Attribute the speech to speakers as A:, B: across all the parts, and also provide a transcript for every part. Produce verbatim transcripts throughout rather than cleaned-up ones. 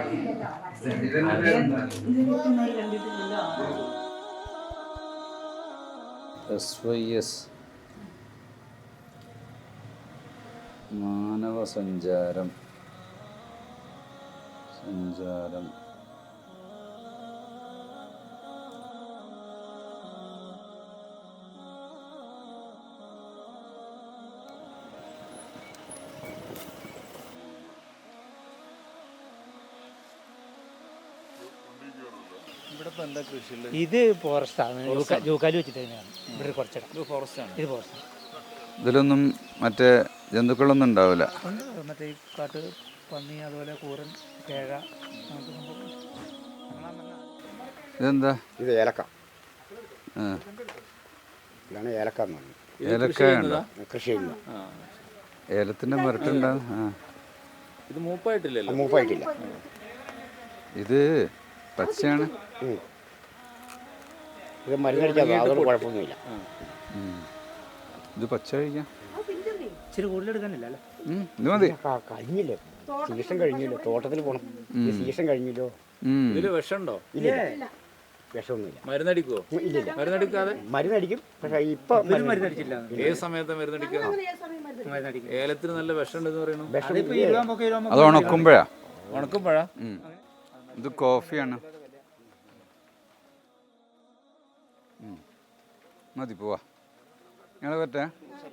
A: S Y S മാനവ സഞ്ചാരം സഞ്ചാരം
B: ഇത് ഫോറസ്റ്റാണ്, ജൂക്കാലി വെച്ചിട്ട് തന്നെയാണ് ഇവിടെ കുറച്ചിടം. ഇത് ഫോറസ്റ്റാണ്, ഇത് ഫോറസ്റ്റ്.
A: ഇതിലൊന്നും മറ്റേ ജന്തുക്കളൊന്നും ഉണ്ടാവില്ല.
B: മറ്റേ ഈ കാട്ട് പന്നി, അതുപോലെ കൂരൻ, കേഴ.
A: ഇതെന്താ?
C: ഇത് ഏലക്ക.
A: ആ,
C: ഇതാണ് ഏലക്ക എന്ന് പറയുന്നത്.
A: ഏലക്ക ഉണ്ടോ?
C: കൃഷി ചെയ്യുന്നത്.
A: ഏലത്തിൻ്റെ മരട്ടുണ്ടാവും. ആ,
D: ഇത് മൂപ്പായിട്ടില്ലല്ലോ.
C: മൂപ്പായിട്ടില്ല.
A: ഇത് പച്ചയാണ്.
C: ഇത് മരുന്നടിച്ചാൽ അതൊന്നും കുഴപ്പമൊന്നുമില്ല.
A: ഇത് പച്ച കഴിക്കാം.
B: ഇച്ചിരി കൂടുതലെടുക്കാനില്ല അല്ലേ?
A: ഇത് മതി.
C: കഴിഞ്ഞില്ലേ, സീസൺ കഴിഞ്ഞല്ലോ. തോട്ടത്തിൽ പോകണം. ഈ സീസൺ കഴിഞ്ഞല്ലോ.
D: ഇതില് വിഷമുണ്ടോ?
C: ഇല്ല, വിഷമൊന്നുമില്ല.
D: മരുന്നടിക്കുവോ?
C: ഇല്ലില്ല,
D: മരുന്നടിക്കാതെ
C: മരുന്നടിക്കും. പക്ഷെ ഇപ്പൊ
B: മരുന്നടിച്ചില്ല.
D: ഏത് സമയത്താ മരുന്നടിക്കുക? ഏലത്തിന് നല്ല വിഷമുണ്ടെന്ന് പറയണു.
A: അത് ഉണക്കുമ്പോഴാ.
D: ഉണക്കുമ്പോഴാ?
A: ഇത് കോഫിയാണ്. മതി, പോവാ. ഞങ്ങൾ പറ്റേ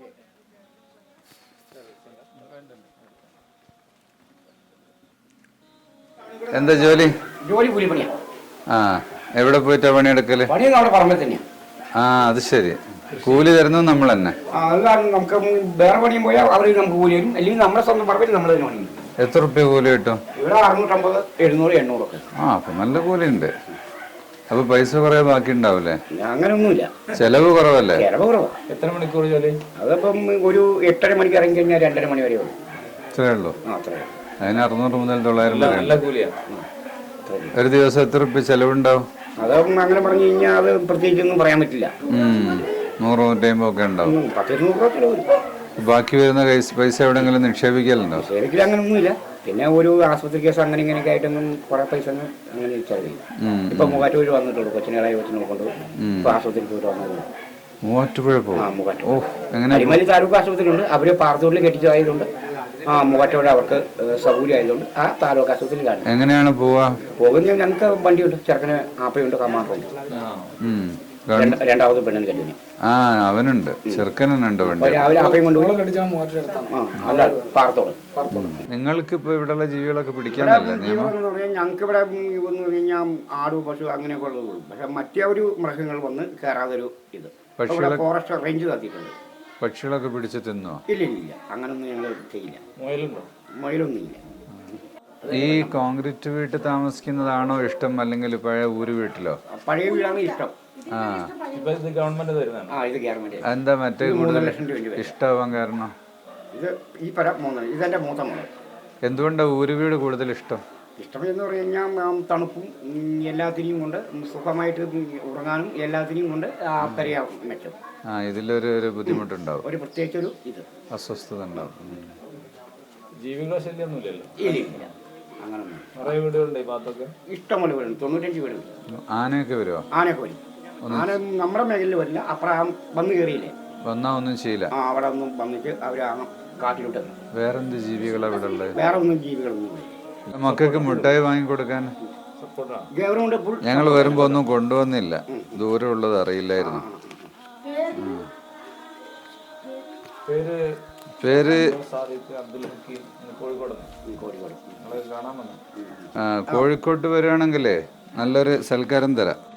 A: എന്താ ജോലി?
C: ജോലി കൂലിപ്പണിയാ.
A: ആ, എവിടെ പോയിട്ടാ പണിയെടുക്കല്?
C: പണിയൊന്നും അവിടെ പറമ്പിൽ തന്നെയാ.
A: ആ, അത് ശരി. കൂലി തരുന്നത് നമ്മൾ തന്നെ.
C: അത് കാരണം നമുക്ക് വേറെ പണിയും പോയാൽ അവർ നമുക്ക് കൂലി തരും. അല്ലെങ്കിൽ നമ്മുടെ സ്വന്തം പറമ്പിൽ നമ്മൾ തന്നെ പണി.
A: എത്ര റുപ്യ കൂലി കിട്ടും?
C: ഇവിടെ അറുന്നൂറ്റമ്പത്, എഴുന്നൂറ്, എണ്ണൂറൊക്കെ.
A: ആ, അപ്പൊ നല്ല കൂലി ഉണ്ട്. അപ്പൊ പൈസ കുറെ ബാക്കി ഉണ്ടാവില്ലേ?
C: അങ്ങനൊന്നുമില്ല,
A: ചെലവ് കുറവല്ലേ?
C: ചിലവ് കുറവാ.
D: എത്ര മണിക്കൂർ ജോലി?
C: അതപ്പം ഒരു എട്ടര മണിക്ക് ഇറങ്ങി കഴിഞ്ഞാൽ രണ്ടര മണി വരെ ഉള്ളൂ.
A: ഇത്രേ ഉള്ളൂ.
C: ആ, അത്രേ.
A: അതിന് അറുന്നൂറ് മുതൽ തൊള്ളായിരം വരെ
D: നല്ല കൂലിയാ.
A: ഒരു ദിവസം എത്ര റുപ്യ ചെലവുണ്ടാവും?
C: അതും അങ്ങനെ പറഞ്ഞു കഴിഞ്ഞാൽ അത് പ്രത്യേകിച്ചൊന്നും പറയാൻ പറ്റില്ല.
A: നൂറ് നൂറ്റമ്പത് ഒക്കെ ഉണ്ടാവും.
C: പത്തിരുന്നൂറ് രൂപ ചിലവ് വരും.
A: ബാക്കി വരുന്ന പൈസ എവിടെയെങ്കിലും നിക്ഷേപിക്കലുണ്ടോ?
C: ശരിക്കും അങ്ങനൊന്നുമില്ല. പിന്നെ ഒരു ആശുപത്രി കേസ് അങ്ങനെ ഇങ്ങനെയൊക്കെ ആയിട്ടൊന്നും കുറെ പൈസ അങ്ങനെ ചെലവ് ചെയ്യും. ഇപ്പൊ മൂവാറ്റുപുഴ വന്നിട്ടുള്ളൂ. കൊച്ചിനേളായി കൊച്ചിനെ കൊണ്ട് ഇപ്പൊ ആശുപത്രിക്ക് പോയിട്ട് വന്നത്.
A: മൂവാറ്റുപുഴ പോകും.
C: ആ, മൂവാറ്റുപുഴ.
A: ഓ, എങ്ങനെ?
C: അരിമലി താലൂക്ക് ആശുപത്രി ഉണ്ട്. അവര് പാറത്തോട്ടിൽ കെട്ടിച്ചതായതുകൊണ്ട് ആ മൂവാറ്റുപുഴ അവർക്ക് സൗകര്യം ആയതുകൊണ്ട് ആ താലൂക്ക് ആശുപത്രിയിൽ കാണും.
A: എങ്ങനെയാണ് പോവാ?
C: പോകുന്ന ഞങ്ങൾക്ക് വണ്ടിയുണ്ട്. ചെറുക്കന് ആപ്പയുണ്ട്, കമാറുണ്ട്. രണ്ടാമത് പെണ്ണിന് കല്യാണം.
A: ആ, അവനുണ്ട്, ചെറുക്കനുണ്ട് വണ്ടി.
C: രാവിലെ ആപ്പയും കൊണ്ടുപോയി പാറത്തോട്.
A: നിങ്ങൾക്ക് ഇപ്പൊ ഇവിടെയുള്ള ജീവികളൊക്കെ പിടിക്കാനല്ലേ നിയമം?
C: ഞങ്ങൾക്ക് ഇവിടെ ഒന്ന് കഴിഞ്ഞാൽ ആട്, പശു അങ്ങനെയൊക്കെ ഉള്ളതുള്ളൂ. പക്ഷെ മറ്റേ ഒരു മൃഗങ്ങൾ വന്ന് കയറാതൊരു ഇത് ഫോറസ്റ്റ് റേഞ്ച് നടത്തിയിട്ടുണ്ട്.
A: പക്ഷികളൊക്കെ പിടിച്ച് തിന്നോ?
C: ഇല്ല ഇല്ല, അങ്ങനൊന്നും ഞങ്ങൾ ചെയ്യില്ല.
D: മുയലുണ്ടോ?
C: മുയലൊന്നും ഇല്ല.
A: ഈ കോൺക്രീറ്റ് വീട്ടിൽ താമസിക്കുന്നതാണോ ഇഷ്ടം, അല്ലെങ്കിൽ പഴയ ഊര് വീട്ടിലോ?
C: പഴയ വീടാണ് ഇഷ്ടം.
A: ആ,
D: ഇപ്പൊ ഇത് ഗവൺമെന്റ് തരുന്നതാണ്.
C: ആ, ഇത് ഗവൺമെന്റ്.
A: എന്താ മറ്റേ
C: മൂന്നര ലക്ഷം രൂപ
A: ഇഷ്ടമാവാൻ കാരണം?
C: ഇത് ഈ പര മൂന്ന് ഇതെന്റെ മൂത്ത മോള്.
A: എന്തുകൊണ്ടാ ഊര് വീട് കൂടുതൽ ഇഷ്ടം?
C: ഇഷ്ടം എന്ന് പറഞ്ഞു കഴിഞ്ഞാൽ തണുപ്പും എല്ലാത്തിനെയും കൊണ്ട് സുഖമായിട്ട് ഉറങ്ങാനും എല്ലാത്തിനെയും കൊണ്ട് അക്കരയാ മെച്ചം.
A: ആ, ഇതിലൊരു ഒരു ബുദ്ധിമുട്ടുണ്ടാവും.
C: ഒരു പ്രത്യേകിച്ചൊരു ഇത്
A: അസ്വസ്ഥത ഉണ്ടാവും.
D: ജീവികളെ ശല്യമൊന്നുമില്ലല്ലോ?
C: ഇല്ല, അങ്ങനൊന്നും.
D: കുറേ വീടുകളുണ്ട് ഈ ഭാഗത്തൊക്കെ.
C: ഇഷ്ടംപോലെ വീടുണ്ട്, തൊണ്ണൂറ്റഞ്ച് വീടുണ്ട്.
A: ആനയൊക്കെ വരുമോ?
C: ആനയൊക്കെ വരും. ആന നമ്മുടെ മേഖലയിൽ വരില്ല. അപ്പുറം വന്ന് കയറിയില്ലേ,
A: വന്നാ ഒന്നും ചെയ്യില്ല.
C: ആ, അവിടെ ഒന്നും വന്നിട്ട് അവര് ആ കാട്ടിലോട്ട്.
A: വേറെന്ത് ജീവികളാ ഇവിടെ ഉള്ളത്?
C: വേറെ ഒന്നും ജീവികളൊന്നും ഇല്ല.
A: മക്കൾക്ക് മിഠായി വാങ്ങിക്കൊടുക്കാൻ
C: ഗവൺമെന്റ്
A: ഞങ്ങൾ വരുമ്പോ ഒന്നും കൊണ്ടുവന്നില്ല. ദൂരം ഉള്ളത് അറിയില്ലായിരുന്നു. പേര് കോഴിക്കോട്ട് വരികയാണെങ്കിലേ നല്ലൊരു സൽക്കാരം തരാം.